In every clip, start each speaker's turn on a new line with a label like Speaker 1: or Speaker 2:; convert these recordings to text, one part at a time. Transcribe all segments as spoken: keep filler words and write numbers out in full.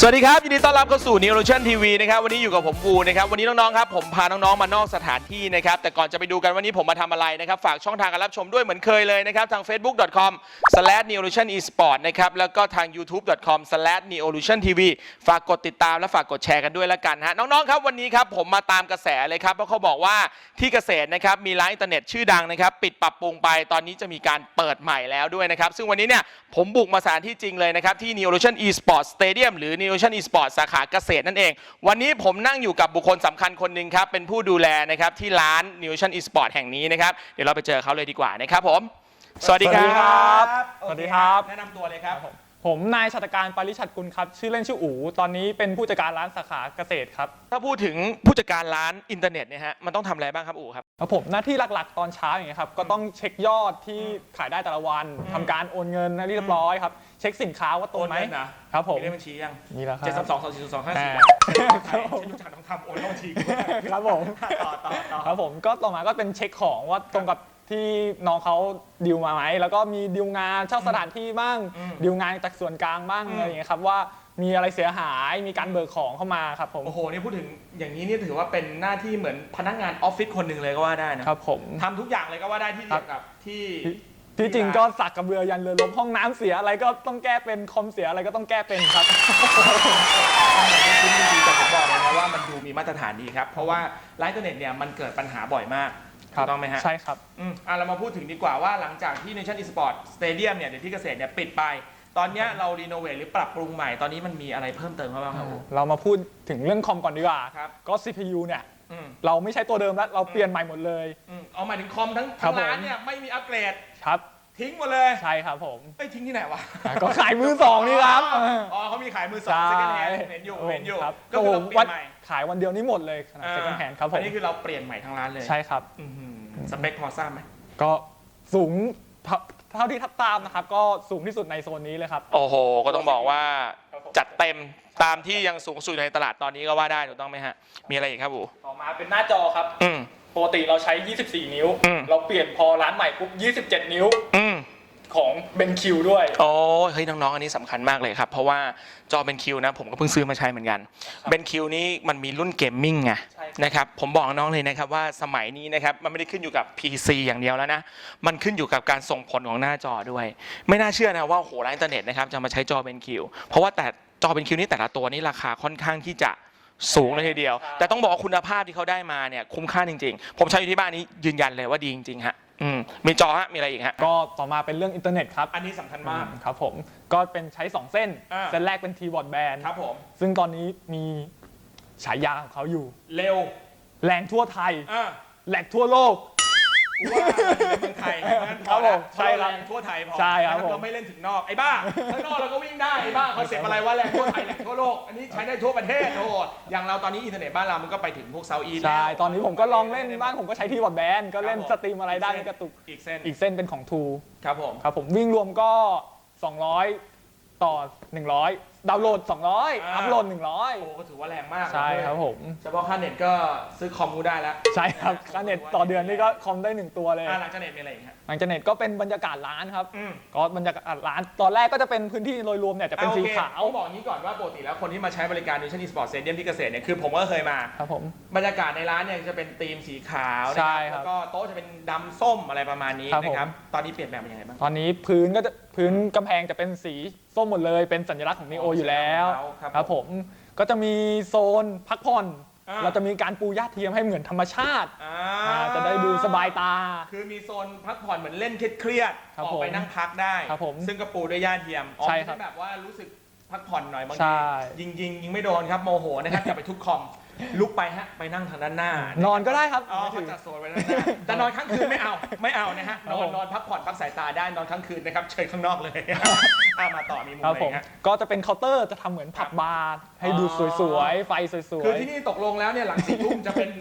Speaker 1: สวัสดีครับยินดีต้อนรับเข้าสู่ Neolution ที วี นะครับวันนี้อยู่กับผมวูนะครับวันนี้น้องๆครับผมพาน้องๆมานอกสถานที่นะครับแต่ก่อนจะไปดูกันวันนี้ผมมาทำอะไรนะครับฝากช่องทางการรับชมด้วยเหมือนเคยเลยนะครับทาง เฟซบุ๊ก ดอท คอม สแลช นีโอลูชั่น อีสปอร์ต นะครับแล้วก็ทาง ยูทูบ ดอท คอม สแลช นีโอลูชั่น ที วี ฝากกดติดตามและฝากกดแชร์กันด้วยละกันฮะน้องๆครับวันนี้ครับผมมาตามกระแสเลยครับเพราะเขาบอกว่าที่เกษตรนะครับมีร้านอินเทอร์เน็ตชื่อดังนะครับปิดปรับปรุงไปตอนนี้จะมีการเปิดใหม่แล้วด้วยนะครับซึ่งวันนี้เนี่ยผมบุกมาสถานที่จริงเลยนะครับที่ Neolution Esports Stadium หรือ Neolution Esports สาขาเกษตรนั่นเองวันนี้ผมนั่งอยู่กับบุคคลสำคัญคนหนึ่งครับเป็นผู้ดูแลนะครับที่ร้าน Neolution Esports แห่งนี้นะครับเดี๋ยวเราไปเจอเขาเลยดีกว่านะครับผมสวัสดีครับ
Speaker 2: สวัสดีครับ
Speaker 1: แนะนำตัวเลยครับ
Speaker 2: ผมนายชัตการปริชัดกุลครับชื่อเล่นชื่ออู๋ตอนนี้เป็นผู้จัดการร้านสาขาเกษตรครับ
Speaker 1: ถ้าพูดถึงผู้จัดการร้านอินเทอร์เน็ตเนี่ยฮะมันต้องทำอะไรบ้างครับอู๋ครับ
Speaker 2: ครับผมหน้าที่หลักๆตอนเช้าอย่างเงี้ยครับก็ต้องเช็คยอดที่ขายได้แต่ละวันทำการโอนเงินให้เรียบร้อยครับเช็คสินค้าว่าตรงไหมครับผม
Speaker 1: มีเลขบัญชียัง
Speaker 2: นี่แล้วครับ
Speaker 1: เจ็ดสามสองสองสี่สองห้าสี่ฉันรู้จักต้องทำโอนเข้าบัญชี
Speaker 2: ครับผม
Speaker 1: ต่อต่อต่อ
Speaker 2: ครับผมก็ต่อมาก็เป็นเช็คของว่าตรงกับที่น้องเขาดิวมาไหมแล้วก็มีดิวงานเช่าสถานที่บ้างดิวงานจากส่วนกลางบ้างอะไรอย่างเงี้ยครับว่ามีอะไรเสียหายมีการเบิกของเข้ามาครับผม
Speaker 1: โอ้โหนี่พูดถึงอย่างนี้นี่ถือว่าเป็นหน้าที่เหมือนพนักงานออฟฟิศคนหนึ่งเลยก็ว่าได้นะครับ
Speaker 2: ผม
Speaker 1: ทำทุกอย่างเลยก็ว่าได้ที่เกี่ยวกับที่
Speaker 2: ที่จริงก็สักกระเบือยันเรือล้มห้องน้ำเสียอะไรก็ต้องแก้เป็นคอมเสียอะไรก็ต้องแก้เป็นครับ
Speaker 1: จริงๆแต่ผมบอกเลยนะว่ามันดูมีมาตรฐานดีครับเพราะว่าไลน์อินเทอร์เน็ตเนี่ยมันเกิดปัญหาบ่อยมากถูกต้องไหมฮะ
Speaker 2: ใช่ครับ
Speaker 1: อืมอ่ะเรามาพูดถึงดีกว่าว่าหลังจากที่ Neolution Esports Stadium เนี่ยเดี๋ยวที่เกษตรเนี่ยปิดไปตอนนี้เรารีโนเวทหรือปรับปรุงใหม่ตอนนี้มันมีอะไรเพิ่มเติมบ้างครับ
Speaker 2: เรามาพูดถึงเรื่องคอมก่อนดีกว่าก็ ซี พี ยู เนี่ยเราไม่ใช่ตัวเดิมแล้วเราเปลี่ยนใหม่หมดเลย
Speaker 1: เอาหมายถึงคอมทั้งทั้งร้านเนี่ยไม่มีอัปเกรด
Speaker 2: ครับ
Speaker 1: ทิ้งหมดเลย
Speaker 2: ใช่ครับผม
Speaker 1: ไอ้ทิ้งที่ไหนวะ
Speaker 2: ก็ขายมือสองนี่ครับ
Speaker 1: อ๋อเขามีขายมือสองเซ็กแฮนด์เห็นอยู่เห็นอยู่
Speaker 2: ก็คือเปลี่ยนใหม่ขายวันเดียวนี้หมดเลยขนาดเซ็กแฮนด์ครับผม
Speaker 1: อันนี้คือเราเปลี่ยนใหม่ทั้งร้านเลย
Speaker 2: ใช่ครับ
Speaker 1: สเปคพอทราบไหม
Speaker 2: ก็สูงเท่าที่ทับตามนะครับก็สูงที่สุดในโซนนี้เลยครับ
Speaker 1: โอ้โหก็ต้องบอกว่าจัดเต็มตามที่ยังสูงสุดในตลาดตอนนี้ก็ว่าได้ถูกต้องไหมฮะมีอะไรอีกครับบู
Speaker 2: ต่อมาเป็นหน้าจอครับปกติเราใช้ยี่สิบสี่นิ้วเราเปลี่ยนพอร้านใหม่ปุ๊บยี่สิบเจ็ดนิ้วของเบนคิวด้วย
Speaker 1: โอ้เฮ้ยน้องๆอันนี้สำคัญมากเลยครับเพราะว่าจอเบนคิวนะผมก็เพิ่งซื้อมาใช้เหมือนกันเบนคิวนี้มันมีรุ่นเกมมิ่งไงนะครับผมบอกน้องเลยนะครับว่าสมัยนี้นะครับมันไม่ได้ขึ้นอยู่กับ พี ซี อย่างเดียวแล้วนะมันขึ้นอยู่กับการส่งผลของหน้าจอด้วยไม่น่าเชื่อนะว่าโหร้านอินเทอร์เน็ตนะครับจะมาใช้จอเบนคิวเพราะว่าแต่จอเบนคิวนี้แต่ละตัวนี้ราคาค่อนข้างที่จะสูงเลยทีเดียวแต่ต้องบอกว่าคุณภาพที่เขาได้มาเนี่ยคุ้มค่าจริงๆผมใช้อยู่ที่บ้านนี้ยืนยันเลยว่าดีจริงๆฮะอืมมีจอฮะมีอะไรอีกฮะ
Speaker 2: ก็ต่อมาเป็นเรื่องอินเทอร์เน็ตครับ
Speaker 1: อันนี้สำคัญมาก
Speaker 2: ครับผมก็เป็นใช้สองเส้นเส้นแรกเป็นทีบอร์ดแบน
Speaker 1: ครับผม
Speaker 2: ซึ่งตอนนี้มีฉายาของเขาอยู่
Speaker 1: เร็ว
Speaker 2: แรงทั่วไทยแหลกทั่วโลก
Speaker 1: ว่าในเมืองไทย
Speaker 2: ครับผมใช่ครับ
Speaker 1: ทั่วไทยพอ
Speaker 2: ใช่ครับ
Speaker 1: เราไม่เล่นถึงนอกไอ้บ้าข้างนอกเราก็วิ่งได้ไอ้บ้าคอนเซ็ปต์อะไรว่าแรงทั่วไทยแรงทั่วโลกอันนี้ใช้ได้ทั่วประเทศโอ้อย่างเราตอนนี้อินเทอร์เน็ตบ้านเรามันก็ไปถึงพวกเซาท์อีสต์
Speaker 2: ใช่ตอนนี้ผมก็ลองเล่นบ้างผมก็ใช้ที่บอร์ดแบนก็เล่นสตรีมอะไรได้ในกระตุก
Speaker 1: อีกเส้น
Speaker 2: อีกเส้นเป็นของทู
Speaker 1: ครับผม
Speaker 2: ครับผมวิ่งรวมก็สองร้อยต่อหนึ่งร้อยดาวน์โหลดสองร้อยอัพโหลดหนึ่งร้อย
Speaker 1: โอ้ก็ถือว่าแรงมาก
Speaker 2: ใช่ครับผม
Speaker 1: เฉพาะค่าเน็ตก็ซื้อคอมกูได้แล้ว
Speaker 2: ใช่ครับค่าเน็ตต่อเดือนนี่ก็คอมได้หนึ่งตัวเลย
Speaker 1: หลังจากเน็ตมีอะไรอีกฮะ
Speaker 2: หลังจากเน็ตก็เป็นบรรยากาศร้านครับก็บรรยากาศร้านตอนแรกก็จะเป็นพื้นที่โดยรวมเนี่ยจะเป็นสีขาว
Speaker 1: ต้องบอกงี้ก่อนว่าปกติแล้วคนที่มาใช้บริการ Neolution Esports Stadium ที่เกษตรเนี่ยคือผมก็เคยมา
Speaker 2: ครับผม
Speaker 1: บรรยากาศในร้านเนี่ยจะเป็นธีมสีขาวนะครับแล้วก็โต๊ะจะเป็นดำส้มอะไรประมาณนี้นะครับตอนนี้เปลี่ยนแปลงเป็นยังไงบ้าง
Speaker 2: ตอนนี้พื้นก็จะพื้นกำแพงจะเป็นสีส้มหมดเลยเป็นสัญลักษณ์ของนีโออยู่แล้วครับผมก็จะมีโซนพักผ่อนเราจะมีการปูหญ้าเทียมให้เหมือนธรรมชาติจะได้ดูสบายตา
Speaker 1: คือมีโซนพักผ่อนเหมือนเล่นเครียดๆออกไปนั่งพักได้ซึ่งก็ปูด้วยหญ้าเทียม
Speaker 2: ใช่
Speaker 1: ครับแบบว่ารู้สึกพักผ่อนหน่อยบางทียิงยิงยิงไม่โดนครับโมโหนะครับอย่าไปทุบคอมลุกไปฮะไปนั่งทางด้านหน้าน
Speaker 2: อนก็ได้ครับ
Speaker 1: อ๋อเขาจัดโซนไว้ด้านหน้าแต่นอนค้างคืนไม่เอาไม่เอานะฮะนอนนอนพักผ่อนพักสายตาได้นอนค้างคืนนะครับเชิญข้างนอกเลยอ่ะมาต่อมีมุมอะไรฮะ
Speaker 2: ก็จะเป็นเคาน์เตอร์จะทำเหมือนผับบาร์ให้ดูสวยๆไฟสวย
Speaker 1: ๆคือที่นี่ตกลงแล้วเนี่ยหลังสี่ทุ่มจะเป็น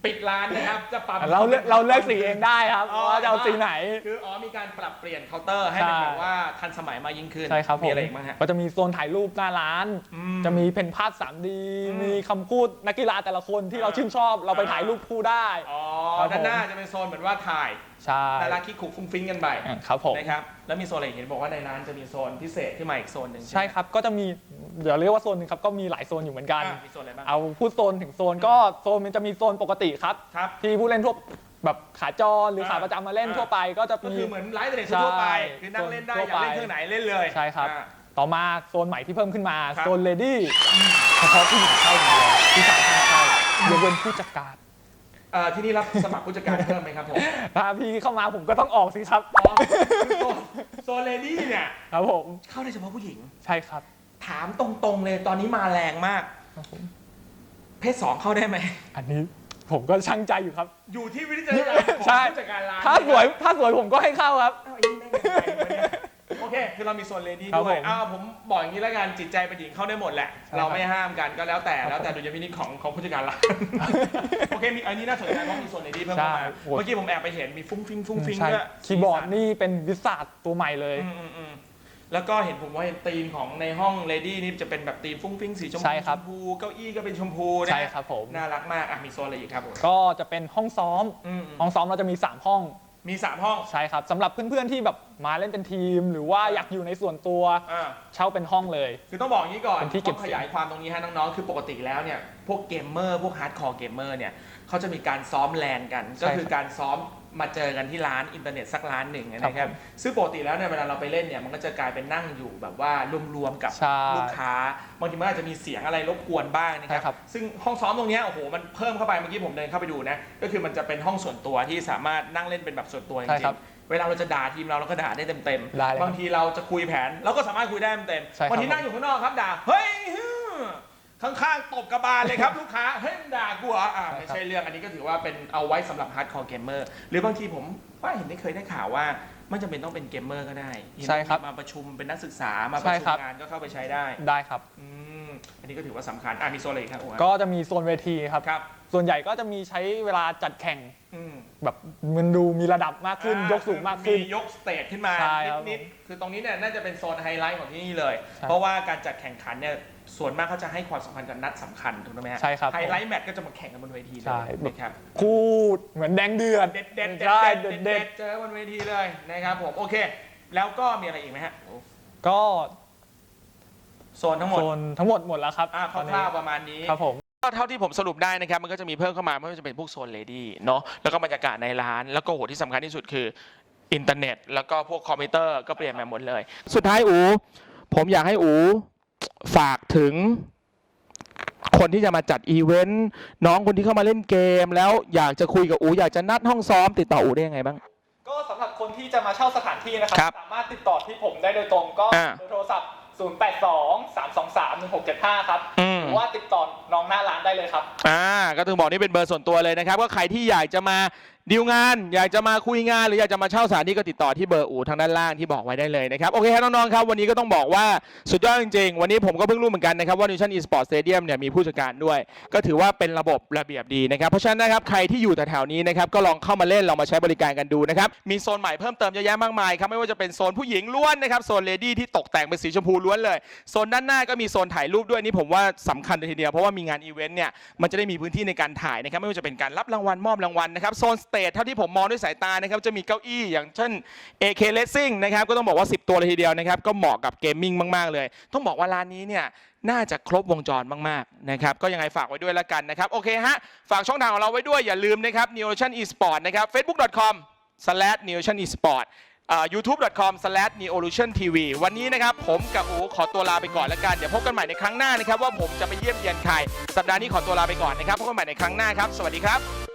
Speaker 1: ปิดร้านนะครับจะปรับ
Speaker 2: เราเลือกเราเลือกสีเองได้ครับ
Speaker 1: อ๋อ
Speaker 2: ว่าจะเอาสีไหน
Speaker 1: คืออ๋อมีการปรับเปลี่ยนเคาน์เตอร์ให้เป็น
Speaker 2: ใช่
Speaker 1: แบบว่าทันสมัยมากยิ่งขึ้น
Speaker 2: ใช่ครับผม
Speaker 1: มีอะไรอีกบ้างฮะ
Speaker 2: ก็จะมีโซนถ่ายรูปหน้าร้าน
Speaker 1: อืม
Speaker 2: จะมีเพนภาพ ทรีดี
Speaker 1: อืม
Speaker 2: มีคำพูดนักกีฬาแต่ละคนที่เรา
Speaker 1: อ่า
Speaker 2: ชื่นชอบเราไปถ่ายรูปคู่ได้
Speaker 1: อ๋อ
Speaker 2: ครับผม
Speaker 1: ด้านหน้าจะเป็นโซนเหมือนว่าถ่าย
Speaker 2: ใช่
Speaker 1: น่ารักคิกคุกฟุ้งฟิ้งกันไป
Speaker 2: อ่าครับผม
Speaker 1: นะครับแล้วมีโซนอะไรอีกเห็นบอกว่าในร้านจะมีโซนพิเศษขึ้นมาอีกโซนหนึ่ง
Speaker 2: ใช่ครับก็จะมีเดี๋ยวเรียกว่าโซนหนึงครับก็มีหลายโซนอยู่เหมือนกัน
Speaker 1: อ่ะมีโซนอะไรบ้าง
Speaker 2: เอาพูดโซนถึงโซนก็โซนมันจะมีโซนปกติครับ
Speaker 1: ครับ
Speaker 2: ที่ผู้เล่นทั่วแบบขาจรหรือ
Speaker 1: อ่า
Speaker 2: ขาประจำมาเล่น
Speaker 1: อ่า
Speaker 2: ทั่วไปก็จะ
Speaker 1: ก็
Speaker 2: มี
Speaker 1: คือเหมือนไลฟ์เดททั่วไป
Speaker 2: ใช่
Speaker 1: คือนั่งเล่นได้
Speaker 2: ทั่
Speaker 1: อ
Speaker 2: วย
Speaker 1: ากเล่น
Speaker 2: ไป
Speaker 1: เครื่องไหนเล่นเลย
Speaker 2: ใช่ครับ
Speaker 1: อ่า
Speaker 2: ต่อมาโซนใหม่ที่เพิ่มขึ้นมา
Speaker 1: ครับ
Speaker 2: โซนเลดี้เฉพาะผู้หญิงเข้าอย่างเดียวผู้ชายห้ามเข้ายกเว้นผู้จัดการ
Speaker 1: เอ่อที่นี่รับสมัครผู้จัดการเพิ่มไหมครับผม
Speaker 2: ถ้าพี่เข้ามาผมก็ต้องออกสิครับ
Speaker 1: อ๋อคือโซนโซนเลดี้เนี่ย
Speaker 2: ครับผม
Speaker 1: เข้าได้เฉพาะผู้หญิง
Speaker 2: ใช่ครับ
Speaker 1: ถามตรงๆเลยตอนนี้มาแรงมาก
Speaker 2: ครับผม
Speaker 1: เพศสองเข้าได้ไหม
Speaker 2: อันนี้ผมก็ช่างใจอยู่ครับ
Speaker 1: อยู่ที่วิจารณญาณของ
Speaker 2: ใช่
Speaker 1: ผู้จัดการร้าน
Speaker 2: ถ้าสวยถ้าสวยผมก็ให้เข้าครับ
Speaker 1: เอ้าไอ้นี่แม่งยังไงวะเนี่ยโอเค คือเรามีโซนเลดี้
Speaker 2: ครับ
Speaker 1: ด้วย
Speaker 2: ผม
Speaker 1: อ้าวผมบอกอย่างนี้แล้วกันจิตใจเป็นหญิงเข้าได้หมดแหละ
Speaker 2: ใช่
Speaker 1: เราไม่ห้ามกันก็แล้วแต่
Speaker 2: ครับ
Speaker 1: แล้วแต่ดุลยพินิจของของผู้จัดการร้าน โอเคมีอันนี้น่าสนใจเพราะมีโซนเลดี้เพิ่มเข้ามา
Speaker 2: ใช่โอ้
Speaker 1: เมื่อกี้ผมแอบไปเห็นมีฟุ้งฟิ้งฟุ้งฟิ้ง
Speaker 2: ใช่
Speaker 1: ด้วย
Speaker 2: คีย์บอร์ดนี่เป็นวิสาดตัวใหม่เลย
Speaker 1: อืมอืมอืมแล้วก็เห็นผมว่าเห็นธีมของในห้องเลดี้นี่จะเป็นแบบธีมฟุ้งฟิ้งสีชม
Speaker 2: ใช่
Speaker 1: พู
Speaker 2: ครั
Speaker 1: ช
Speaker 2: บ
Speaker 1: มพูเก้าอี้ก็เป็นชมพูนะ
Speaker 2: ใช่ครับผม
Speaker 1: น่ารักมากอ่ะมีโซนอะไรอีกครับผม
Speaker 2: ก็จะเป็นห้องซ้อม
Speaker 1: อืมอืม
Speaker 2: ห้องซ้อมเราจะมีสามห้อง
Speaker 1: มีสามห้อง
Speaker 2: ใช่ครับสำหรับเพื่อนๆที่แบบมาเล่นเป็นทีม หรือว่า
Speaker 1: อ่า
Speaker 2: อยากอยู่ในส่วนตัว
Speaker 1: อ่า
Speaker 2: เช่าเป็นห้องเลย
Speaker 1: คือต้องบอกอย่างนี้ก่อน
Speaker 2: เป็นที่เก็บ
Speaker 1: ต้องขยายความตรงนี้ให้น้องๆ คือปกติแล้วเนี่ย พวกเกมเมอร์ พวกฮาร์ดคอร์เกมเมอร์เนี่ยเขาจะมีการซ้อมแลนกัน
Speaker 2: ใช่
Speaker 1: ก็คือการซ้อมมาเจอกันที่ร้านอินเทอร์เน็ตสักร้านหนึ่งนะค
Speaker 2: ครั
Speaker 1: รั
Speaker 2: บบ ผม
Speaker 1: ซึ่งปกติแล้วเนี่ยเวลาเราไปเล่นเนี่ยมันก็จะกลายเป็นนั่งอยู่แบบว่ารวมๆกับ
Speaker 2: ใช่
Speaker 1: ลูกค้า บางทีมันอาจจะมีเสียงอะไรรบกวนบ้างนะค
Speaker 2: ใช่ครั
Speaker 1: รับ บ ซึ่งห้องซ้อมตรงเนี้ยโอ้โห มันเพิ่มเข้าไป เมื่อกี้ผมเดินเข้าไปดูนะ ก็คือมันจะเป็นห้องส่วนตัวที่สามารถนั่งเล่นเป็นแบบส่วนตัวจ
Speaker 2: ใช่
Speaker 1: ริ
Speaker 2: ครั
Speaker 1: ง
Speaker 2: บ
Speaker 1: ๆ เวลาเราจะด่าทีมเราเราก็ด่าได้เต็ม
Speaker 2: ได้เลย
Speaker 1: ๆ บางทีเราจะคุยแผนเราก็สามารถคุยได้เต็ม
Speaker 2: ใช่ครับ
Speaker 1: ๆบางทีนั่งอยู่ข้างนอกครับด่า เฮ้ยฮึ่มข้างๆตบกระบาลเลยครับ ลูกค้า เฮ้ยมึงด่ากูเหรออ่าไม่ใช่เรื่อง อันนี้ก็ถือว่าเป็นเอาไว้สำหรับฮาร์ดคอร์เกมเมอร์ หรือบางทีผมว่าเห็นได้เคยได้ข่าวว่าไม่จำเป็นต้องเป็นเกมเมอร์ก็ได้
Speaker 2: ใช่ครับ
Speaker 1: มาประชุมเป็นนักศึกษา มาประ
Speaker 2: ใช่
Speaker 1: ชุ
Speaker 2: ครั
Speaker 1: ม
Speaker 2: บ
Speaker 1: งานก็เข้าไปใช้ได้
Speaker 2: ได้ครับ
Speaker 1: อืมอันนี้ก็ถือว่าสำคัญ อ่ะมีโซนอะไรอีกครับโอ้โห
Speaker 2: ก็จะมีโซนเวทีครับ
Speaker 1: ครับ
Speaker 2: ส่วนใหญ่ก็จะมีใช้เวลาจัดแข่ง
Speaker 1: อืม
Speaker 2: แบบมันดูมีระดับมากขึ้น
Speaker 1: อ่าย
Speaker 2: กสูงมากขึ้น
Speaker 1: มียกสเตจขึ้นมา
Speaker 2: ใช่ครับ
Speaker 1: นิดๆคือตรงนี้เนี่ยน่าจะเป็นโซนไฮไลท์ของที่นี่เลย
Speaker 2: ใช่
Speaker 1: เพราะว่าการจัดแข่งขันเนี่ยส่วนมากเขาจะให้ความสำคัญกับนัดสำคัญถูกไหมฮะ
Speaker 2: ใช่ครับ
Speaker 1: ไฮไลท์แมตช์ก็จะมาแข่งกันบนเวทีเล
Speaker 2: ใช่
Speaker 1: ยนะครับ
Speaker 2: คู่เหมือนแดงเดือด
Speaker 1: เด็ดเด็ดเด็ด
Speaker 2: ใช่
Speaker 1: เด็ด
Speaker 2: เด็
Speaker 1: เด็
Speaker 2: ด
Speaker 1: ดเจอบนเวทีเลยนะครับผมโอเค แล้วก็มีอะไรอีกไหมฮะ
Speaker 2: ก็
Speaker 1: โซนทั้งหมด
Speaker 2: โซนทั้งหมดหมดแล้วครับ
Speaker 1: อ่าค
Speaker 2: ตอนนี้
Speaker 1: ร่าวๆประมาณนี้
Speaker 2: ครับผม
Speaker 1: ก็เท่าที่ผมสรุปได้นะครับ มันก็จะมีเพิ่มเข้ามาไม่ว่าจะเป็นพวกโซนเลดี้เนาะแล้วก็บรรยากาศในร้าน แล้วก็โหที่สำคัญที่สุดคืออินเทอร์เน็ต แล้วก็พวกคอมพิวเตอร์ก็เปลี่ยนมาหมดเลย สุดท้ายอูผมอยากให้อูฝากถึง คนที่จะมาจัดอีเวนต์น้องคนที่เข้ามาเล่นเกม แล้วอยากจะคุยกับอูอยากจะนัดห้องซ้อมติดต่ออูได้ยังไงบ้าง
Speaker 2: ก็สำหรับคนที่จะมาเช่าสถานที่นะครั
Speaker 1: ครับ
Speaker 2: สามารถติดต่อที่ผมได้โดยตรงก็
Speaker 1: อ่า
Speaker 2: เบอร์โทรศัพท์ ศูนย์ แปด สอง สาม สอง สาม หนึ่ง หก เจ็ด ห้า ครับ
Speaker 1: อืม
Speaker 2: หรือว่าติดต่อน้องหน้าร้านได้เลยครับ
Speaker 1: อ่าก็ถึงบอกนี่เป็นเบอร์ส่วนตัวเลยนะครับก็ใครที่อยากจะมาดีลงาน อยากจะมาคุยงาน หรืออยากจะมาเช่าสถานที่ก็ติดต่อที่เบอร์อูทางด้านล่างที่บอกไว้ได้เลยนะครับโอเคครับน้องๆครับวันนี้ก็ต้องบอกว่าสุดยอดจริงๆวันนี้ผมก็เพิ่งรู้เหมือนกันนะครับว่า Nutrition Esport Stadium เนี่ยมีผู้จัดการด้วย ก็ถือว่าเป็นระบบระเบียบดีนะครับเพราะฉะนั้นนะครับใครที่อยู่แถวๆนี้นะครับก็ลองเข้ามาเล่นลองมาใช้บริการกันดูนะครับมีโซนใหม่เพิ่มเติมเยอะแยะมากมายครับไม่ว่าจะเป็นโซนผู้หญิงล้วนนะครับโซนเลดี้ที่ตกแต่งเป็นสีชมพูล้วนเลยโซนด้านหน้าก็มีโซนถ่ายรูปด้วยนี่ผมว่าสำคัญเลยทีเดียวเพราะว่ามีงานอีเวนต์เนี่ยมันจะได้มีพื้นที่ในการถ่ายนะครับไม่ว่าจะเป็นการรับรางวัลมอบรางวัลนะครับโซนสเตจเท่าที่ผมมองด้วยสายตานะครับจะมีเก้าอี้อย่างเช่น เอ เค Racing นะครับก็ต้องบอกว่าสิบตัวเลยทีเดียวนะครับก็เหมาะกับเกมมิ่งมากๆเลยต้องบอกว่าร้านนี้เนี่ยน่าจะครบวงจรมากๆนะครับก็ยังไงฝากไว้ด้วยละกันนะครับโอเคฮะฝากช่องทางของเราไว้ด้วยอย่าลืมนะครับ Nutrition Esport นะครับ เฟซบุ๊ก ดอท คอม สแลช นิวทริชั่น อีสปอร์ต ยูทูบ ดอท คอม สแลช นิโอลูชั่น ที วี วันนี้นะครับผมกับอูขอตัวลาไปก่อนแล้วกันเดี๋ยวพบกันใหม่ในครั้งหน้านะครับว่าผมจะไปเยี่ยมเยียนใครสัปดาห์นี้ขอตัวลาไปก่อนนะครับพบกันใหม่ในครั้งหน้าครับสวัสดีครับ